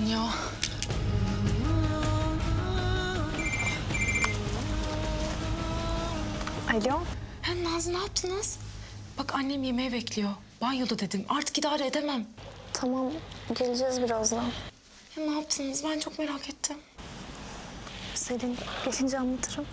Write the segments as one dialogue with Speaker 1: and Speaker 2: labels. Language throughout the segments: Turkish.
Speaker 1: ya.
Speaker 2: Alo.
Speaker 1: Nazlı ne yaptınız? Bak annem yemeğe bekliyor. Banyoda dedim. Artık idare edemem.
Speaker 2: Tamam, geleceğiz birazdan.
Speaker 1: Ya ne yaptınız? Ben çok merak ettim.
Speaker 2: Selin, gelince anlatırım.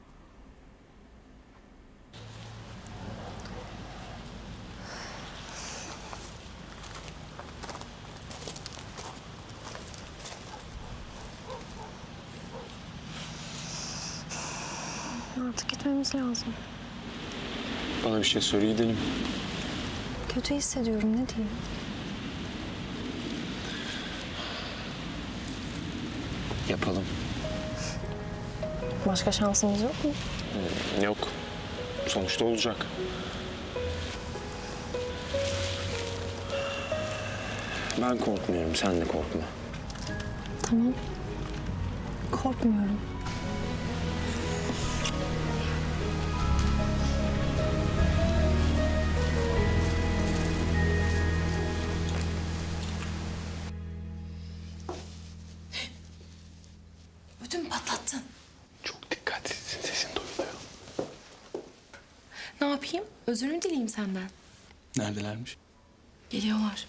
Speaker 2: Artık gitmemiz lazım.
Speaker 3: Bana bir şey söyle gidelim.
Speaker 2: Kötü hissediyorum, ne diyeyim?
Speaker 3: Yapalım.
Speaker 2: Başka şansımız yok mu?
Speaker 3: Yok. Sonuçta olacak. Ben korkmuyorum, sen de korkma.
Speaker 2: Tamam. Korkmuyorum.
Speaker 1: Ödüm patlattın.
Speaker 3: Çok dikkatliysin, sesin duyuluyor.
Speaker 1: Ne yapayım? Özrünü dileyim senden.
Speaker 3: Neredelermiş?
Speaker 1: Geliyorlar.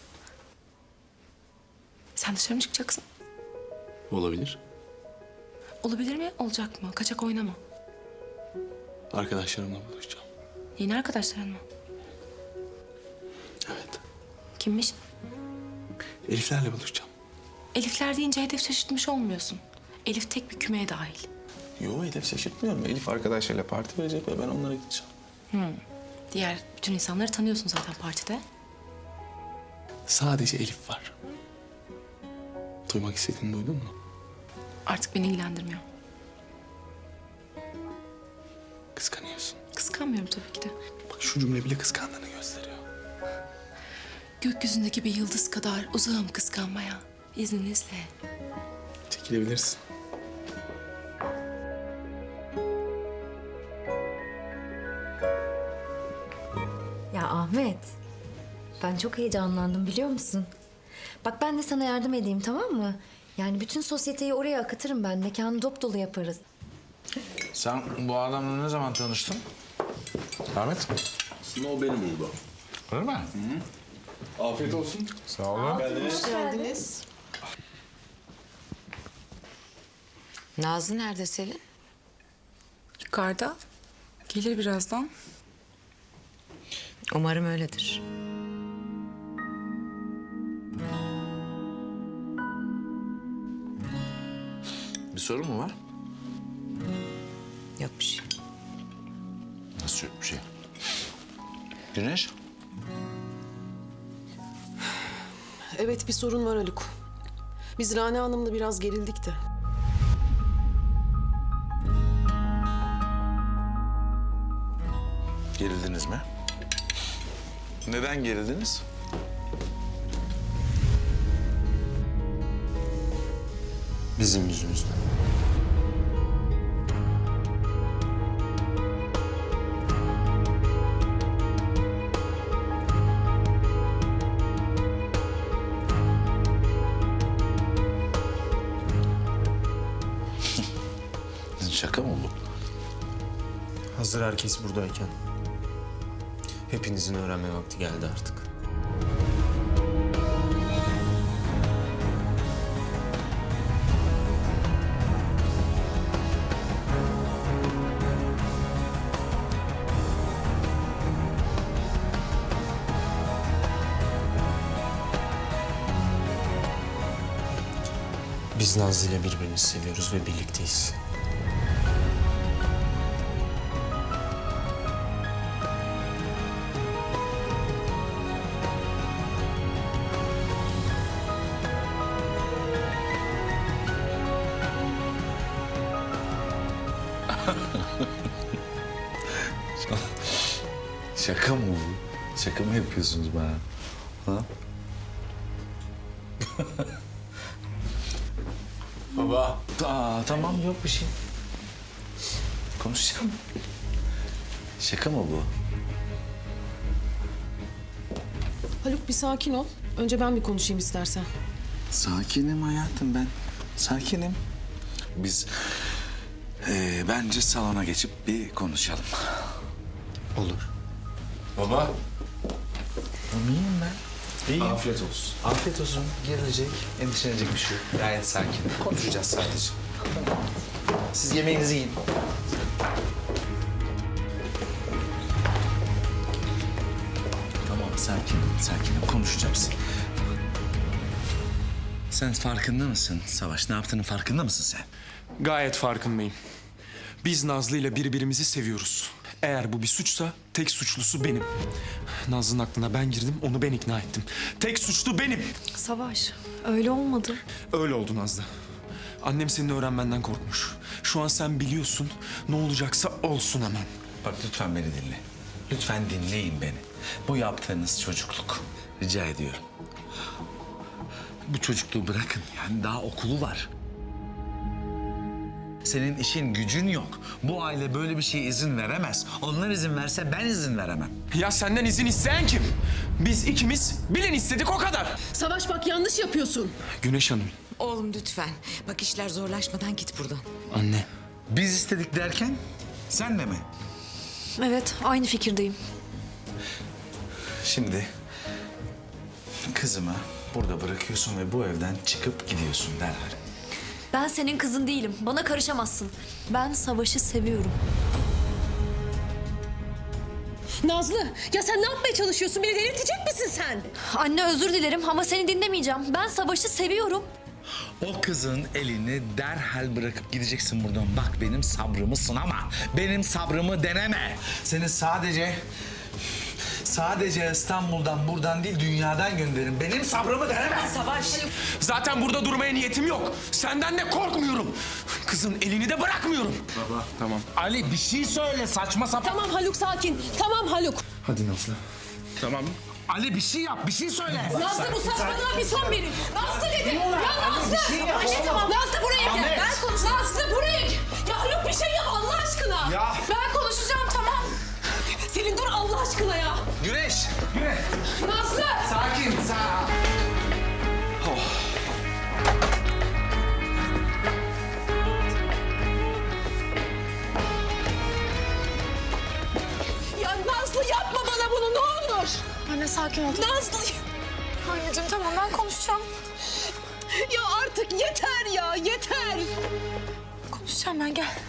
Speaker 1: Sen dışarı mı çıkacaksın?
Speaker 3: Olabilir.
Speaker 1: Olabilir mi? Olacak mı? Kaçak oynama.
Speaker 3: Arkadaşlarımla buluşacağım.
Speaker 1: Yeni arkadaşların mı?
Speaker 3: Evet.
Speaker 1: Kimmiş?
Speaker 3: Eliflerle buluşacağım.
Speaker 1: Elifler deyince hedef şaşırtmış olmuyorsun. Elif tek bir kümeye dahil.
Speaker 3: Yo, Elif şaşırtmıyorum. Elif arkadaşlarıyla parti verecek ve ben onlara gideceğim.
Speaker 1: Diğer bütün insanları tanıyorsun zaten partide.
Speaker 3: Sadece Elif var. Duymak istediğini duydun mu?
Speaker 1: Artık beni ilgilendirmiyor.
Speaker 3: Kıskanıyorsun.
Speaker 1: Kıskanmıyorum tabii ki de.
Speaker 3: Bak şu cümle bile kıskandığını gösteriyor.
Speaker 1: Gökyüzündeki bir yıldız kadar uzağım kıskanmaya. İzninizle.
Speaker 3: Çekilebilirsin.
Speaker 4: Ya Ahmet, ben çok heyecanlandım biliyor musun? Bak ben de sana yardım edeyim, tamam mı? Yani bütün sosyeteyi oraya akıtırım ben. Mekanı dop dolu yaparız.
Speaker 5: Sen bu adamla ne zaman tanıştın? Ahmet.
Speaker 6: Aslında o beni buldu.
Speaker 5: Öyle mi?
Speaker 6: Afiyet olsun.
Speaker 5: Sağ olun.
Speaker 7: Nazlı nerede Selin?
Speaker 1: Yukarıda. Gelir birazdan.
Speaker 7: Umarım öyledir.
Speaker 5: Bir sorun mu var?
Speaker 7: Yok bir şey.
Speaker 5: Nasıl yok bir şey? Güneş?
Speaker 8: Evet bir sorun var Haluk. Biz Rana Hanım'la biraz gerildik de.
Speaker 5: Gerildiniz mi? Neden gerildiniz?
Speaker 3: Bizim yüzümüzden.
Speaker 5: Şaka mı bu?
Speaker 9: Hazır herkes buradayken hepinizin öğrenme vakti geldi artık. Biz Nazlı ile birbirimizi seviyoruz ve birlikteyiz.
Speaker 5: Şaka mı bu? Şaka mı yapıyorsunuz bana? Ha?
Speaker 3: Baba.
Speaker 5: Tamam yok bir şey. Konuşacağım. Şaka mı bu?
Speaker 8: Haluk bir sakin ol. Önce ben bir konuşayım istersen.
Speaker 5: Sakinim hayatım ben. Sakinim. Biz bence salona geçip bir konuşalım.
Speaker 9: Olur.
Speaker 5: Baba. İyiyim ben. İyiyim. Afiyet olsun. Afiyet olsun. Gerilecek, endişelenecek bir şey yok. Gayet sakin. Konuşacağız sadece. Siz yemeğinizi yiyin. Tamam, sakinim. Konuşacağız. Sen farkında mısın Savaş? Ne yaptığının farkında mısın sen?
Speaker 10: Gayet farkındayım. Biz Nazlı ile birbirimizi seviyoruz. Eğer bu bir suçsa tek suçlusu benim. Nazlı'nın aklına ben girdim, onu ben ikna ettim. Tek suçlu benim.
Speaker 2: Savaş, öyle olmadı.
Speaker 10: Öyle oldu Nazlı. Annem senin öğrenmenden korkmuş. Şu an sen biliyorsun, ne olacaksa olsun hemen.
Speaker 5: Bak lütfen beni dinle. Lütfen dinleyin beni. Bu yaptığınız çocukluk. Rica ediyorum. Bu çocukluğu bırakın. Yani daha okulu var. Senin işin gücün yok. Bu aile böyle bir şeye izin veremez. Onlar izin verse ben izin veremem.
Speaker 10: Ya senden izin isteyen kim? Biz ikimiz bilin istedik o kadar.
Speaker 8: Savaş bak yanlış yapıyorsun.
Speaker 10: Güneş Hanım.
Speaker 7: Oğlum lütfen. Bak işler zorlaşmadan git buradan.
Speaker 10: Anne.
Speaker 5: Biz istedik derken sen de mi?
Speaker 2: Evet, aynı fikirdeyim.
Speaker 5: Şimdi kızımı burada bırakıyorsun ve bu evden çıkıp gidiyorsun derhal.
Speaker 2: Ben senin kızın değilim. Bana karışamazsın. Ben Savaş'ı seviyorum.
Speaker 8: Nazlı ya sen ne yapmaya çalışıyorsun? Beni delirtecek misin sen?
Speaker 2: Anne özür dilerim ama seni dinlemeyeceğim. Ben Savaş'ı seviyorum.
Speaker 5: O kızın elini derhal bırakıp gideceksin buradan. Bak benim sabrımı sınama. Benim sabrımı deneme. Seni sadece İstanbul'dan buradan değil dünyadan gönderin. Benim sabrımı deneme.
Speaker 7: Savaş.
Speaker 10: Zaten burada durmaya niyetim yok. Senden de korkmuyorum. Kızın elini de bırakmıyorum.
Speaker 5: Baba.
Speaker 10: Tamam.
Speaker 5: Ali bir şey söyle saçma sapan.
Speaker 8: Tamam Haluk sakin. Tamam Haluk.
Speaker 10: Hadi Nazlı.
Speaker 5: Tamam. Ali bir şey yap, bir şey söyle.
Speaker 8: Nazlı bu saçmalığa bir son verin. Nazlı dedim. Ya Nazlı. Anne tamam. Nazlı buraya gel. Ben konuşacağım. Nazlı buraya gel. Ya Haluk bir şey yap Allah aşkına.
Speaker 5: Ya.
Speaker 8: Ben konuşacağım tamam. Selin dur Allah aşkına ya.
Speaker 5: Güneş.
Speaker 8: Nazlı.
Speaker 5: Sakin.
Speaker 8: Ya Nazlı yapma bana bunu ne olur.
Speaker 1: Anne sakin ol.
Speaker 8: Nazlı.
Speaker 1: Anneciğim tamam ben konuşacağım.
Speaker 8: Ya artık yeter ya yeter.
Speaker 1: Konuşacağım ben gel.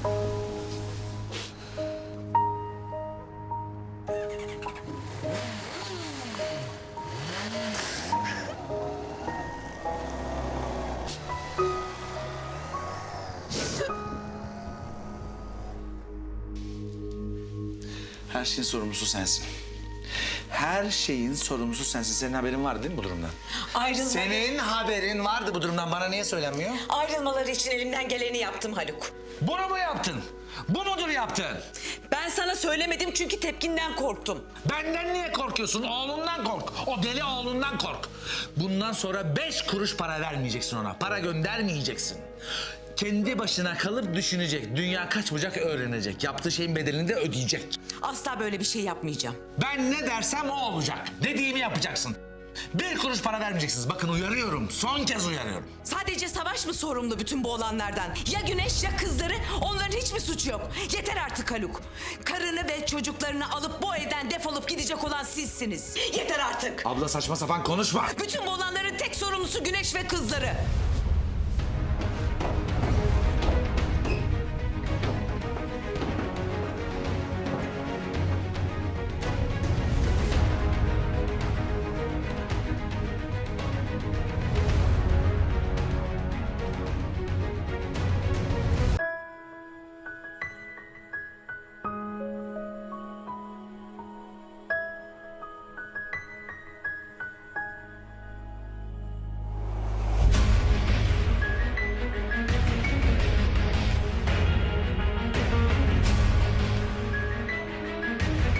Speaker 5: Her şeyin sorumlusu sensin. Her şeyin sorumlusu sensin. Senin haberin vardı değil mi bu durumdan? Senin haberin vardı bu durumdan. Bana niye söylenmiyor?
Speaker 7: Ayrılmaları için elimden geleni yaptım Haluk.
Speaker 5: Bunu mu yaptın? Bu mudur yaptın?
Speaker 7: Ben sana söylemedim çünkü tepkinden korktum.
Speaker 5: Benden niye korkuyorsun? Oğlundan kork. O deli oğlundan kork. Bundan sonra 5 kuruş para vermeyeceksin ona. Para göndermeyeceksin. Kendi başına kalıp düşünecek. Dünya kaç bucak öğrenecek. Yaptığı şeyin bedelini de ödeyecek.
Speaker 7: Asla böyle bir şey yapmayacağım.
Speaker 5: Ben ne dersem o olacak. Dediğimi yapacaksın. 1 kuruş para vermeyeceksiniz. Bakın uyarıyorum. Son kez uyarıyorum.
Speaker 7: Sadece Savaş mı sorumlu bütün bu olanlardan? Ya Güneş ya kızları, onların hiçbir suçu yok. Yeter artık Haluk. Karını ve çocuklarını alıp bu evden defolup gidecek olan sizsiniz. Yeter artık.
Speaker 5: Abla saçma sapan konuşma.
Speaker 7: Bütün bu olanların tek sorumlusu Güneş ve kızları.